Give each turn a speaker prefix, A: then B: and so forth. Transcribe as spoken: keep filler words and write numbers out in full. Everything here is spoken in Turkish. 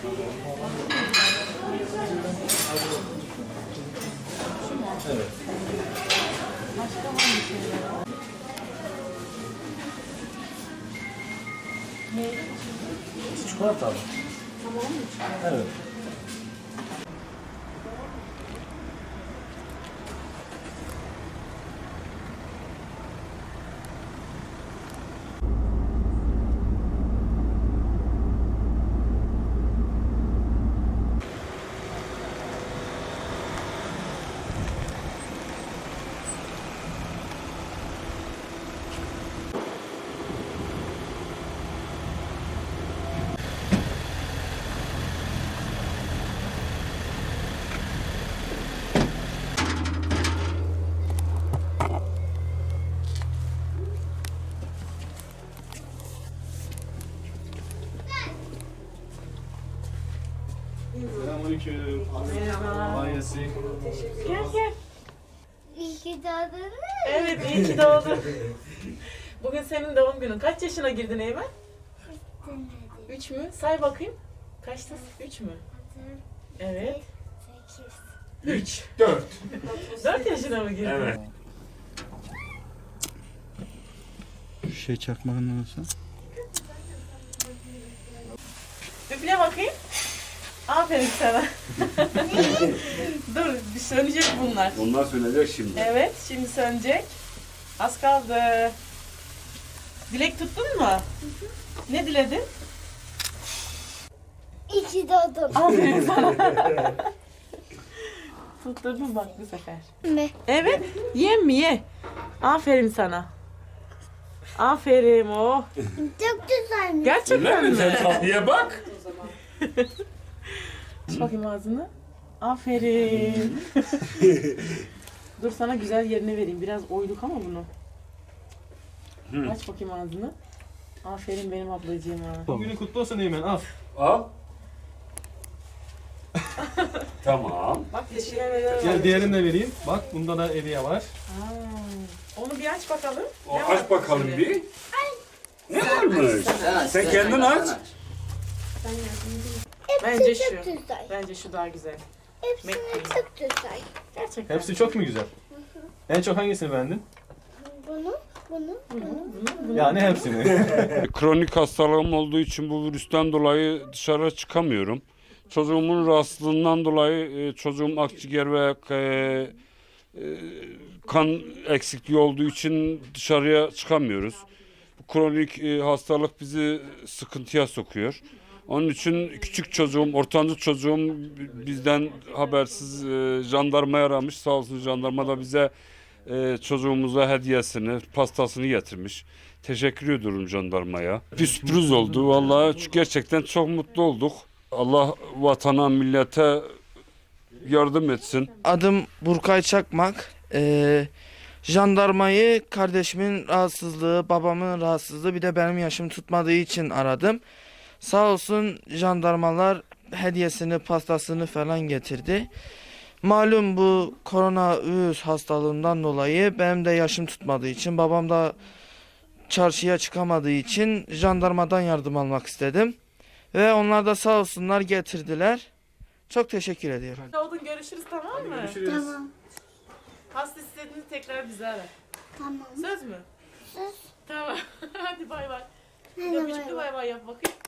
A: Evet.
B: Başka var mı şeyler? Meyve
A: Çikolata mı?
B: tamam mı?
A: Evet. Selamünaleyküm.
B: Merhaba.
A: Kolay gelsin.
B: Gel gel.
C: İyi ki doğdun mu?
B: Evet iyi ki doğdun. Bugün senin doğum günün. Kaç yaşına girdin Eymen? Üç mü? Say bakayım. Kaçtasın? Üç mü? Evet.
C: Sekiz.
B: Üç.
A: Dört.
B: Dört yaşına mı girdin?
A: Evet.
D: Şey çakmağın nasıl?
B: Üfle bakayım. Aferin sana. Dur, bir sönecek bunlar.
A: Onlar sönecek şimdi.
B: Evet, şimdi sönecek. Az kaldı. Dilek tuttun mu? Ne diledin?
C: İyi ki doğdun.
B: Aferin sana. Tutturdun bak bu sefer.
C: Ne?
B: Evet, ye mi ye. Aferin sana. Aferin oh.
C: Çok güzelmiş.
B: Gerçekten mi?
A: Sen tatlıya bak.
B: Aç bakayım ağzını. Aferin. Dur sana güzel yerine vereyim. Biraz oyduk ama bunu. Aç bakayım ağzını. Aferin benim ablacığıma.
E: Bugünün kutlu olsun Eymen, al.
A: Al. Tamam.
B: Bak teşekkürler var.
E: Gel diğerini de vereyim. Bak bunda da hediye var.
B: Aa, onu bir aç bakalım.
A: O,
B: Ne
A: aç
B: var
A: bakalım
B: içinde?
A: bir. Ne varmış? Sen kendin aç.
B: Bence
C: Çok
B: şu.
C: güzel.
B: Bence şu daha güzel.
C: Hepsine
B: Bekleyin.
C: çok güzel.
B: Gerçekten.
E: Hepsi çok mu güzel? En çok hangisini beğendin?
C: Bunu, bunu, bunu.
B: Bunu, bunu.
E: Yani hepsini.
F: Kronik hastalığım olduğu için bu virüsten dolayı dışarı çıkamıyorum. Çocuğumun rahatsızlığından dolayı e, çocuğum akciğer ve e, e, kan eksikliği olduğu için dışarıya çıkamıyoruz. Bu kronik e, hastalık bizi sıkıntıya sokuyor. Onun için küçük çocuğum, ortancı çocuğum bizden habersiz e, jandarmaya aramış. Sağ olsun jandarma da bize e, çocuğumuza hediyesini, pastasını getirmiş. Teşekkür ediyorum jandarmaya. Bir sürpriz oldu. Vallahi gerçekten çok mutlu olduk. Allah vatana, millete yardım etsin.
G: Adım Burkay Çakmak. Ee, jandarmayı kardeşimin rahatsızlığı, babamın rahatsızlığı bir de benim yaşım tutmadığı için aradım. Sağ olsun jandarmalar hediyesini, pastasını falan getirdi. Malum bu koronavirüs hastalığından dolayı benim de yaşım tutmadığı için, babam da çarşıya çıkamadığı için jandarmadan yardım almak istedim. Ve onlar da sağ olsunlar getirdiler. Çok teşekkür ediyorum.
B: Doğdun görüşürüz tamam mı?
A: Görüşürüz.
C: Tamam,
B: Hasta istediğinde tekrar bizi ara.
C: tamam.
B: Söz mü?
C: Söz.
B: Tamam. Hadi bay bay.
C: Hadi
B: Öpücüklü
C: bay bay.
B: bay bay yap bakayım.